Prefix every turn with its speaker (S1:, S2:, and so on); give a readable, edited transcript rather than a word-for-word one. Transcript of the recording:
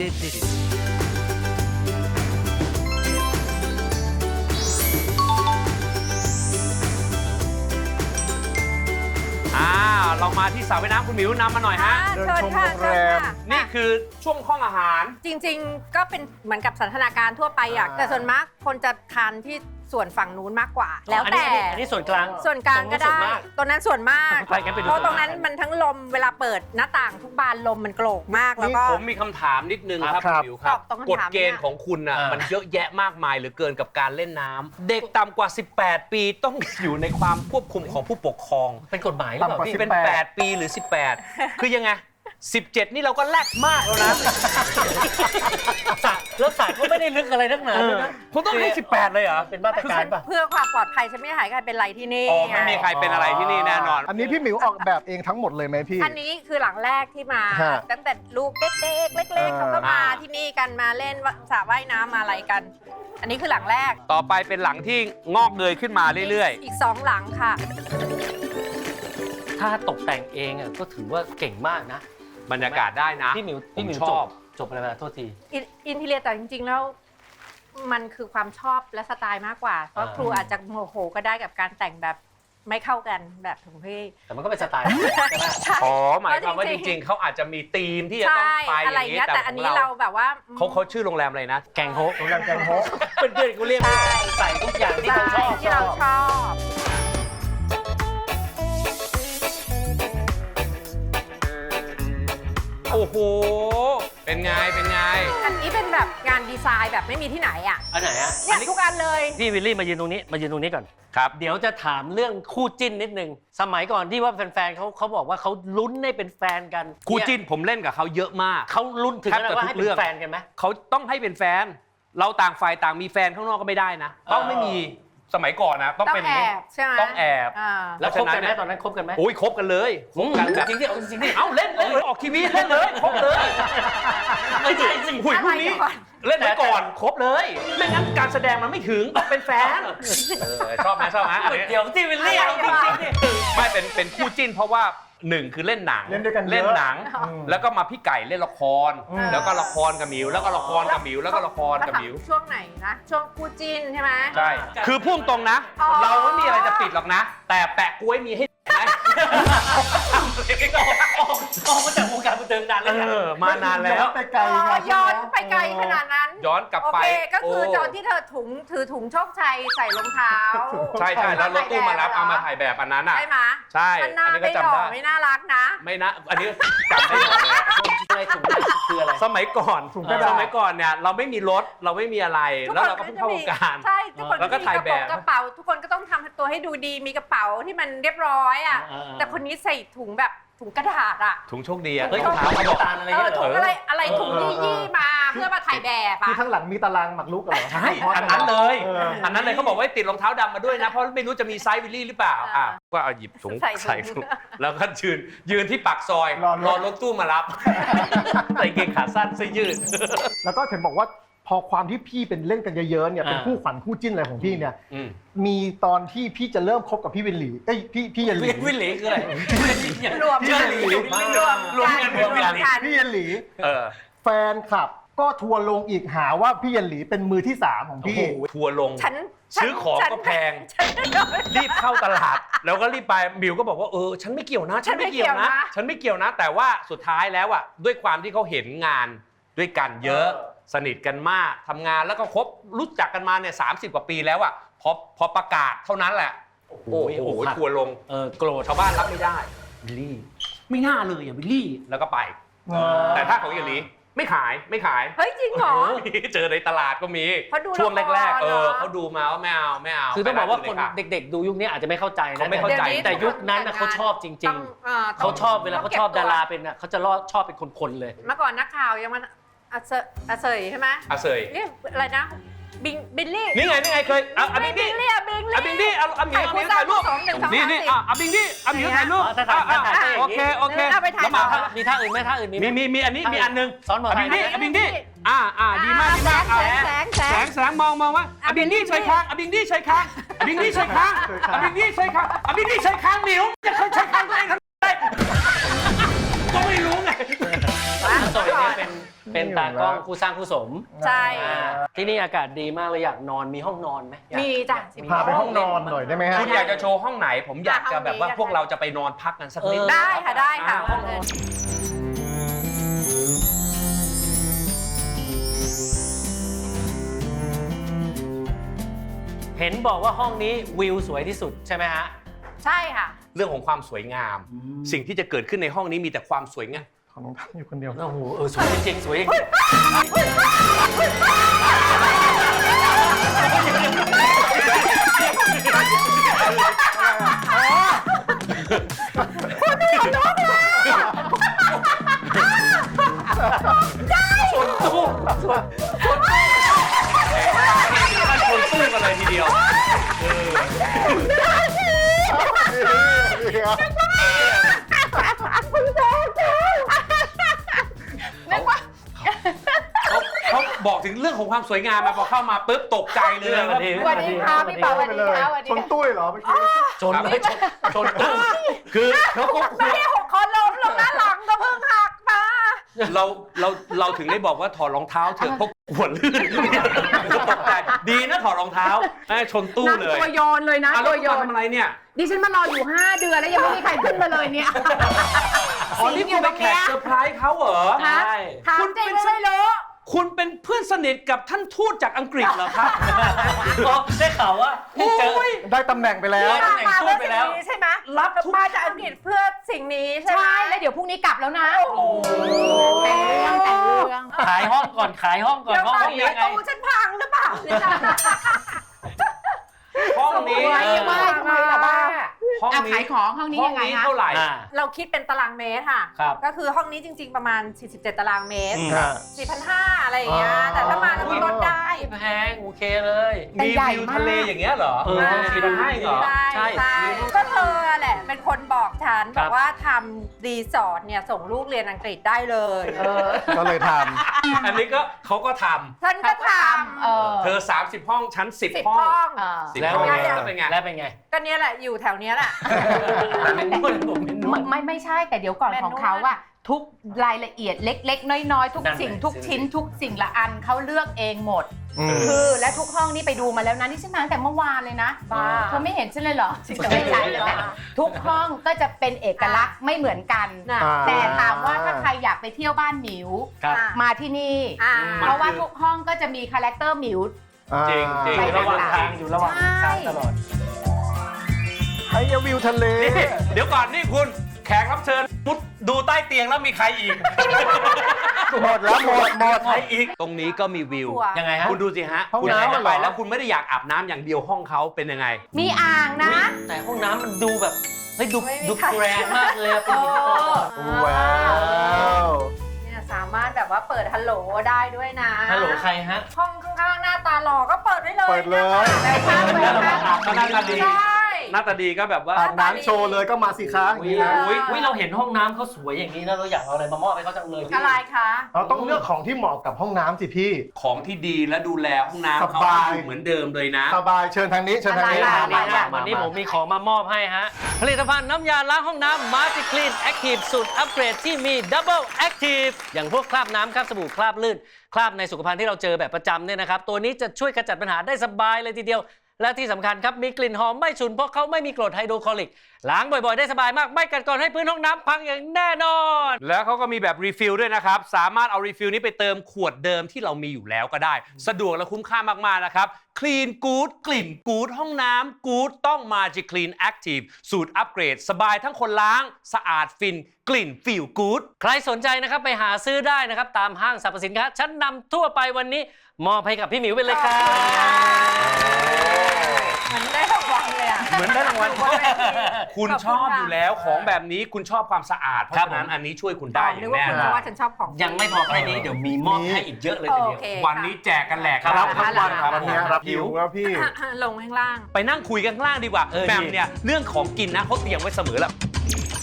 S1: เรามาที่สระว่ายน้ำคุณหมิวนำมาหน่อยฮะ
S2: เชิญค่ะเชิญค่ะ
S1: นี่คือช่วงห้องอาหาร
S2: จริงๆก็เป็นเหมือนกับสันทนาการทั่วไปอะแต่ส่วนมากคนจะทานที่ส่วนฝั่งนู้นมากกว่า แล้วแต่
S3: อันนี้ส่วนกลาง
S2: ส่วนกลางก็ได้ตัวนั้นส่วนมาก
S3: ไปกันไปดู
S2: เพราะตรงนั้นมันทั้งลมเวลาเปิดหน้าต่างทุกบานลมมันโกรกมากแล้วก็
S1: ผมมีคำถามนิดนึงครับคุณหมิวครับ
S2: ตอบตรงคำถาม
S1: กฎเกณฑ์ของคุณน่ะมันเยอะแยะมากมายเหลือเกินกับการเล่นน้ำเด็กต่ำกว่า 18 ปีต้องอยู่ในความควบคุมของผู้ปกครอง
S3: เป็นกฎหมายหรือเปล่าพี่
S1: เป็น 8 ปีหรือ 18 คือยังไง 17 นี่เราก็แลกมากแล้วนะ
S3: แล้วสระก็ไม่ได้ลึกอะไรนักหนาด้วยนะ
S1: คุณต้องให้ 18 เลยเหรอ
S3: เป็นมาตรการป่ะ
S2: เพื่อความปลอดภัยฉันไม่ให้ใครเป็นไรที่นี่
S1: อ๋อไม่มีใครเป็นอะไรที่นี่แน่นอน
S4: อันนี้พี่หมิวออกแบบเองทั้งหมดเลยไหมพี่
S2: อันนี้คือหลังแรกที่มา
S4: ฮะ
S2: ตั้งแต่ลูกเด็กๆเล็กๆเขาก็มาที่นี่กันมาเล่นสระว่ายน้ำมาอะไรกัน อันนี้คือหลังแรก
S1: ต่อไปเป็นหลังที่งอกเงยขึ้นมาเรื่อย
S2: อีก2หลังค่ะ
S3: ถ้าตกแต่งเองอ่ะก็ถือว่าเก่งมากนะ
S1: ๆ บรรยากาศได้นะ
S3: พี่หมิว
S1: ชอบ
S3: จบอะไรมาโทษที
S2: อินทีเรียแต่จริงๆแล้วมันคือความชอบและสไตล์มากกว่า เพราะครูอาจจะโมโหก็ได้กับการแต่งแบบไม่เข้ากันแบบของพี่
S3: แต่มันก็เป็นสไตล์ใช่ไหม
S1: อ๋อหมายความว่าจริงๆ เขาอาจจะมีธีมที่จะต้อง
S2: ใช่
S1: ไปอ
S2: อะไร
S1: ย่างนี้
S2: เงี้ย
S1: แต่
S2: แต่
S1: ข
S2: อั
S1: อน ง
S2: นี้
S1: เรา
S2: เราแบบว่า
S1: เขาชื่อโรงแรมอะไรนะ
S3: แกงโฮะ
S4: โรงแรมแกงโฮะ
S3: เพื่อนๆกูเรียกใส่ทุกอย่างที่
S2: ใช่
S3: เขาชอบ
S2: ที่เราชอบ
S1: โอ้โห เป็นไง เป็นไง
S2: อันนี้เป็นแบบงานดีไซน์แบบไม่มีที่ไหนอ่ะ
S3: อันไหนอะ
S2: เนี่ยทุกอันเลย
S3: พี่วิลลี่มายืนตรงนี้ก่อน
S1: ครับ
S3: เดี๋ยวจะถามเรื่องคู่จิ้นนิดนึง สมัยก่อนที่ว่าแฟนๆเขาบอกว่าเขาลุ้นให้เป็นแฟนกัน
S1: คู่จิ้นผมเล่นกับเขาเยอะมาก
S3: เขาลุ้นถึงขนาดว่าให้เป็นแฟนกันไหม
S1: เขาต้องให้เป็นแฟน เราต่างฝ่ายต่างมีแฟนข้างนอกก็ไม่ได้นะ ต้องไม่มีสมัยก่อนนะ ต้อง
S2: ต้อง
S1: เป็น
S2: แอบใช่ไหม
S1: ต้องแอบ
S2: อ่า
S3: แล้วคบกันไหมตอนนั้นคบกันไหม
S1: โอ้ยคบกันเลยคบกันแบบ
S3: จริงดิเอาจริงดิ
S1: เอ้าเล่นเลยออกทีวีเล่นเลยคบเลย
S3: ไม่ใช่สิ
S1: หุยพวกนี้
S2: อะไรก่อน
S1: เล่นไว้ก่อนคบเลย ไม่งั้นการแสดงมันไม่ถึงต้องเป็นแฟนชอบไหมชอบไหมอันนี้
S3: เดี๋ยวที่วิลลี่เอาจริงๆดิ
S1: ไม่เป็นคู่จิ้นเพราะว่าหนึ่งคือเล่นหนัง
S4: เล่นด้วยกันเยอะ
S1: เล่นหนัง
S4: อืม
S1: แล้วก็มาพี่ไก่เล่นละคร แล้วก็ละครกับหมิว แล้วก็ละครกับหมิว แล้วก็ละครกับหมิว
S2: ช่วงไหนนะ ช่วงคู่จิ้นใช่ไหม
S1: ใช่ คือพุ่งตรงนะ
S2: อ๋อ
S1: เราไม่มีอะไรจะปิดหรอกนะ แต่แปะกล้วยมีให้ไหม
S3: ออกมาจากวงการบันเทิงนานแล้วนะ
S1: มานานแล้ว
S4: ไปไกลไง
S2: ย้อนไปไกลขนาดนั้น
S1: ย้อนกลับ
S2: โอ
S1: ไป
S2: เคก็คือ
S1: โ
S2: ตอนที่เธอถือถุงโชคชัยใส่รองเท้า
S1: ใช่ใช่แล้วรถตู้มารับเอามาถ่ายแบบอันนั้นอ่ะ
S2: ใช่ไหม
S1: ใช่
S2: มันน่า
S1: อันนี้ก็
S2: ไม่ห
S1: จำ
S2: ล่อ
S1: ได้
S2: ไม่น่ารักนะ
S1: ไม่นะ อันนี้จำได้หมดเลย
S3: อะไรถุงอะไรคืออะไร
S1: สมัยก่อน
S4: ถุงกระดาษ
S1: สมัยก่อนเนี่ยเราไม่มีรถเราไม่มีอะไร แล้วเราก็เพิ่งเข้าวงการ
S2: ใช่ทุกคน
S1: แล้วก็
S2: มี
S1: ถ่ายแบบ
S2: กระเป๋า ทุกคนก็ต้องทำตัวให้ดูดีมีกระเป๋าที่มันเรียบร้อยอ่ะ
S3: อ่า
S2: แต่คนนี้ใส่ถุงแบบถุงกระดาษอ่ะ
S1: ถุงโชคดีอ่ะ
S3: เฮ้ย
S1: ถุง
S3: ถุง
S1: เท้าเขาบอก
S3: ตาลอะไร
S2: เอ
S3: เงี้
S2: อย
S3: เหร
S2: ถุง
S3: อ
S2: อะไรถุงยี่ๆมาเพื่อมาถ่ายแบบอ่ะ
S4: ที่ข้างหลังมีตารางหมักลุกเหรอ
S1: ใช่อันนั้นเลย
S4: เออ
S1: อันนั้นเลยเขาบอกว่าติดรองเท้าดำมาด้วยนะ เพราะไม่รู้จะมีไซส์วิลลี่หรือเปล่า
S2: อ่า
S1: ก็เอาหยิบถุง
S2: ใส่ถุง
S1: ใส่ถุงแล้วก็ยืนที่ปากซอย
S4: รอรถ
S1: รถตู้มารับ ใส่เกงขาสั้นเสื้อยืด
S4: แล้วก็เห็นบอกว่าพอความที่พี่เป็นเล่นกันเยอะๆเนี่ยเป็น
S3: อ่า
S4: คู่ขวัญคู่จิ้นอะไรของพี่เนี่ย
S1: อืม
S4: มีตอนที่พี่จะเริ่มคบกับพี่วินหลีเอ้ยพี่ยันหลี
S3: วิลลี่คืออะไร
S2: รวม
S1: ชื่อหลี รวมกัน
S2: รวมกัน
S4: พี่ยันหลี
S1: เออ
S4: แฟนคลับก็ทัวร์ลงอีกหาว่าพี่ยันหลีเป็นมือที่ 3 ของพี่
S1: ทัวร์ลง
S2: ฉัน
S1: ซื้อของก็แพง รีบเข้าตลาด แล้วก็รีบไปบิวก็บอกว่าฉันไม่เกี่ยวนะ ฉันไม่เกี่ยวนะ ฉันไม่เกี่ยวนะ แต่ว่าสุดท้ายแล้วอ่ะด้วยความที่เขาเห็นงานด้วยกันเยอะ สนิทกันมากทำงานแล้วก็คบรู้จักกันมาเนี่ย30 กว่าปีแล้วอ่ะพอประกาศเท่านั้นแหละโอ้โหทัวร์ลง
S3: โกรธ
S1: ชาวบ้านรับไม่ได้บิลลี่ไม่น่าเลยอ่ะบิลลี่แล้วก็ไป แต่ถ้าของอย่างนี้ไม่ขาย
S2: เฮ้ยจริงเหรอ
S1: เจอในตลาดก็มี
S2: เพราะดู
S1: ช่วงแรกๆ
S2: ละครเหรอ
S1: เขาดูมาว่าไม่เอา
S3: คือต้องบอกว่าคน
S1: ไปร้น
S3: เด็กๆ ดูยุคนี้อาจจะไม่เข้าใจนะ
S1: เขาไม่เข้าใจ
S3: แต่ยุคนั้นน่ะเขาชอบจริง
S2: ต้อง
S3: ๆ เขาชอบเวลาเขาชอบดาราเป็นน่ะเขาจะชอบเป็นคนๆเลย
S2: เมื่อก่อนนักข่าวยังมันอาเซยใช่ไหม
S1: อาเซย
S2: เรียกอะไรนะบิลลี่
S1: นี่ไงเคยอาบิงดี้
S2: บิลลี่อะบิงลี่
S1: อาบิงดี้เอาหมิวถ่ายรูป
S2: 2 1 2 3
S1: นี่อาบิงดี้อาหมิวถ่ายรูป
S3: ถ่าย
S1: โอเค
S2: เอาไปถ่าย
S1: แล้วมา
S2: ต่อ
S3: มีท่าอื่นไหมท่าอื่นมีไหม
S1: มีอันนี้มีอันนึง
S3: สอนหมอ
S1: อา
S3: ไท
S1: บิ
S3: ย
S1: งดี้อาบิงดี้ดีมากแสงมองว่าอาบิงดี้ใช้ค้างอาบิงดี้ใช้ค้างอาบิงดี้ใช้ค้างอาบิงดี้ใช้ค้างอาบิงดี้ใช้ค้างหมิวจะเคยใช้ค้างตัวเองทำไมก็ไม่รู้ไง
S3: อาสอยเนี่ยเป็นเป็นตากล้องคู่สร้างคู่สม
S2: ใช่
S3: ที่นี่อากาศดีมากเลยอยากนอนมีห้องนอนไหมอยาก
S2: มีจ้ะ
S4: พาไปห้องนอนหน่อยได้ไหมฮะ
S1: คุณอยากจะโชว์ห้องไหน ผมอยากจะแบบว่าพวกเราจะไปนอนพักกันสักนิด
S2: ได้ค่ะได้ค่ะ
S1: ห้อง
S3: เห็นบอกว่าห้องนี้วิวสวยที่สุดใช่ไหมฮะ
S2: ใช่ค่ะ
S1: เรื่องของความสวยงาม สิ่งที่จะเกิดขึ้นในห้องนี้มีแต่ความสวยงาม
S4: ของน้องทัพอยู่คนเดียว
S3: โอ้โหสวยจริงๆสวยจริงชนตู้ชนตู้กันเลยทีเดียว
S1: เขาบอกถึงเรื่องของความสวยงามมาพอเข้ามาปุ๊บตกใจเลยว่า
S2: สวัสดีค่ะพี่เปาสวัสดีค่ะสวัสดี
S4: ชน
S2: ค่ะ
S4: ตุ้ยเหรอเมื่อกี้
S3: ชนเลยชนตู้
S1: คือเขาก็
S2: ไม่ได้หกคอล้มลงหน้าหลังก็เพิ่งหักมา
S1: เราถึงได้บอกว่าถอดรองเท้าเถอะเพราะหัวลื่นตกใจดีนะถอดรองเท้าชนตู้เลย
S5: ตัวโยนเลยนะ
S1: แล้ว
S5: ตัวโย
S1: คุณ
S5: น
S1: ทำอะไรเนี่ย
S5: ดิฉันมารออยู่ 5 เดือนแล้วยังไม่มีใครขึ้นมาเลยเนี่ย
S1: อ๋อนี่คุณไปแขกเซอร์ไพรส์เขาเหรอ
S3: ใช่
S2: ถามจริงไม่รู้
S1: คุณเป็นเพื่อนสนิทกับท่านทูตจากอังกฤษเหรอครับ
S3: ก็ได้ข่าวว่าให้เจอ
S4: ได้ตำแหน่งไปแล้ว
S3: ได้
S2: มาเพื่อสิ่งนี้ใช่ไหม
S1: รับทุก
S2: มาจากอังกฤษเพื่อสิ่งนี้ใช่ไหม
S5: ใช่ แล้วเดี๋ยวพรุ่งนี้กลับแล้วนะ
S2: โอ้โห
S5: แต่งเรื่อง
S3: ขายห้องก่อนขายห้องก่อน
S2: เดี๋ยว
S3: ห้อง
S2: ก่อน
S3: นี้
S2: ป
S3: ยังไง
S2: ระตูฉันพังหรือเปล่าเนี่ยนะ
S1: ห้องนี้
S5: สวยมาก ทำไมล่ะบ้า
S1: ห้อง
S5: อ่ะ
S1: นี้
S5: ขายของห้องนี้ยังไง
S1: นี้
S5: คะ
S1: เท่าไหร่
S3: อ่า
S2: เราคิดเป็นตารางเมตรค่ะ
S3: ครับ
S2: ก็คือห้องนี้จริง ๆ ประมาณ 47 ตารางเมตร
S4: ครับ
S2: 4,500 อะไรอย่างเงี้ย แต่ถ้ามาแล้วก็ลดได้
S3: ไม่แพงโอเคเลย
S5: แต่
S1: มี
S5: ใหญ่
S1: วิว
S5: มาก
S1: ทะเลอย่างเงี้ยเหรอ
S3: เออ
S1: 4,500เหรอ
S2: ใช่
S3: ใช่
S2: ใช่ก็เธอแหละเป็นคนบอกฉัน
S3: ครับ
S2: บอกว่าทำรีสอร์ทเนี่ยส่งลูกเรียนอังกฤษได้เลย
S4: ก็เลยท
S1: อันนี้ก็เขาก็ท
S2: ฉันก็ท
S1: ำเธอ 30 ห้องชั้น
S2: ำ10
S1: 10 ห้อง
S2: ห้อง
S1: 10
S3: แล้ว
S1: ห้อง
S3: เป็นไง
S1: แล้วเป็นไง
S3: แล้วเป็นไง
S2: ก็เนี้ยแหละอยู่แถวเนี้ยแหละ
S3: เป็นนวดผมเป็นนวด
S5: ไม่ใช่แต่เดี๋ยวก่อน
S2: แมนนวล
S5: ของเขาอะทุกรายละเอียดเล็ก ๆ น้อยๆ ทุก
S3: นั่น
S5: สิ่ง
S3: แหละ
S5: ทุกชิ้น ทุกสิ่งละอันเขาเลือกเองหมด
S4: ำ
S5: คือและทุกห้องนี่ไปดูมาแล้วนะนี่ฉันมาตั้งแต่เมื่อวานเลยนะ
S2: บ้า
S5: เธอไม่เห็นฉันเลยเหรอ
S2: ไม่ใช่
S5: ทุกห้องก็จะเป็นเอกลักษณ์ไม่เหมือนกัน
S2: น่ะ
S5: แต่ถามว่าถ้าใครอยากไปเที่ยวบ้านหมิว
S3: ครับ
S2: อ่ะ
S5: มาที่นี่
S2: อ่า
S5: เพราะว่าทุกห้องก็จะมีคาแรคเตอร์หมิว
S1: จริงจริง
S5: ไป
S3: ระหว่างทางอยู่ระหว่างทางตลอด
S4: ไอ้วิวทะเล
S1: นี่เดี๋ยวก่อนนี่คุณแขกรับเชิญมุดดูใต้เตียงแล้วมีใครอีก
S4: หมดแล้วหมด
S1: ใครอีก ตรงนี้ก็มีวิว
S2: ตัว
S3: ยังไงฮะ
S1: คุณดูสิฮะ
S4: ห้อง
S1: คุณ
S4: น้ำ
S1: เข้าไป
S4: เหรอ
S1: แล้วคุณไม่ได้อยากอาบน้ำอย่างเดียวห้องเขาเป็นยังไง
S5: มีอ่างนะ
S3: แต่ห้องน้ำมันดูแบบเฮ้ยดู
S2: ไม่มี
S3: ดู
S2: ใคร
S3: แกรนด์มากเลยอะเป็นหินอ่อน
S4: ว้าว
S2: เนี่ยสามารถแบบว่าเปิดฮัลโหลได้ด้วยนะ
S3: ฮัลโหลใครฮะ
S2: ห้องข้างๆหน้าตาหล่อก็เปิดได้เลย
S4: เปิดเลย
S2: แบบข้างเลย
S1: แล้วเราอาบก็หน้าตาดี
S2: ใช่
S1: หน้าตาดีก็แบบว่า
S4: อาบน้ำโชว์เลยก็มาสิคะอย่างนี้นะ
S3: อุ๊ยเราเห็นห้องน้ำเขาสวยอย่างนี้นะเราอยากเอาอะไรมามอบให้เขาจังเลยพี่
S2: อะไรคะ
S4: เราต้องเลือกของที่เหมาะกับห้องน้ำสิพี่
S1: ของที่ดีและดูแลห้องน้ำ
S4: ส
S1: เขา
S4: บาย
S1: อยู่เหมือนเดิมเลยนะ
S4: สบายเชิญทางนี้เชิญทางนี้
S2: อะไร
S3: วันนี้ผมมีของมามอบให้ฮะ ผลิตภัณฑ์น้ำยาล้างห้องน้ำ Magic Clean Active สูตรอัปเกรดที่มี Double Active อย่างพวกคราบน้ำคราบสบู่คราบลื่น คราบในสุขภัณฑ์ที่เราเจอแบบประจำเนี่ยนะครับ ตัวนี้จะช่วยขจัดปัญหาได้สบายเลยทีเดียว และที่สำคัญครับ มีกลิ่นหอมไม่ฉุนเพราะเขาไม่มีกรดไฮโดรคลอริก ล้างบ่อยๆ ได้สบายมาก ไม่กัดกร่อนให้พื้นห้องน้ำพังอย่างแน่นอน
S1: แล้วเขาก็มีแบบรีฟิลด้วยนะครับ สามารถเอารีฟิลนี้ไปเติมขวดเดิมที่เรามีอยู่แล้วก็ได้ สะดวกและคุ้มค่ามากๆนะครับ Clean Good กลิ่น Good ห้องน้ำ Good ต้อง Magic Clean Active สูตรอัปเกรด สบายทั้งคนล้าง สะอาดฟิน กลิ่น Feel Good ใครสนใจนะครับไปหาซื้อได้นะครับ ตามห้างสรรพสินค้าชั้นนำทั่วไปวันนี้ มอบให้กับพี่หมิวไปเลยครับ
S2: เหมือนได้รางวัลเลยอ่ะ
S1: เหมือนได้รางวัล
S2: บนเวที
S1: คุณ
S2: ขอบ
S1: ช
S2: คุณ
S1: อบ
S2: ค่ะ
S1: อยู่แล้วของแบบนี้คุณชอบความสะอาด เพราะ
S3: ครับ
S1: ฉะนั้น
S3: ผม
S1: อันนี้ช่วยคุณได้อ
S2: นึ
S1: ย่าก ง
S2: ว่า
S1: แน่
S2: คุณ
S1: น
S2: เพ
S1: อน
S2: ราะว่าฉันชอบของ
S3: ยังไม่พอแค่นี้เดี๋ยวมีมอบให้อีกเยอะเลยทีเดียว
S2: โอเค
S1: วันนี้แจกกันแหลก
S4: รับ
S1: ทั้
S4: ทั้
S1: ง
S4: ง
S1: วั
S4: วัน น
S1: ครับ
S4: วันนี้รับหิวครับพี่
S2: ลงข้างล่าง
S1: ไปนั่งคุยกันข้างล่างดีกว่า
S3: เออ
S1: แหม่ม
S3: ดี
S1: เนี่ยเรื่องของกินนะเขาเตรียมไว้เสมอแล้ว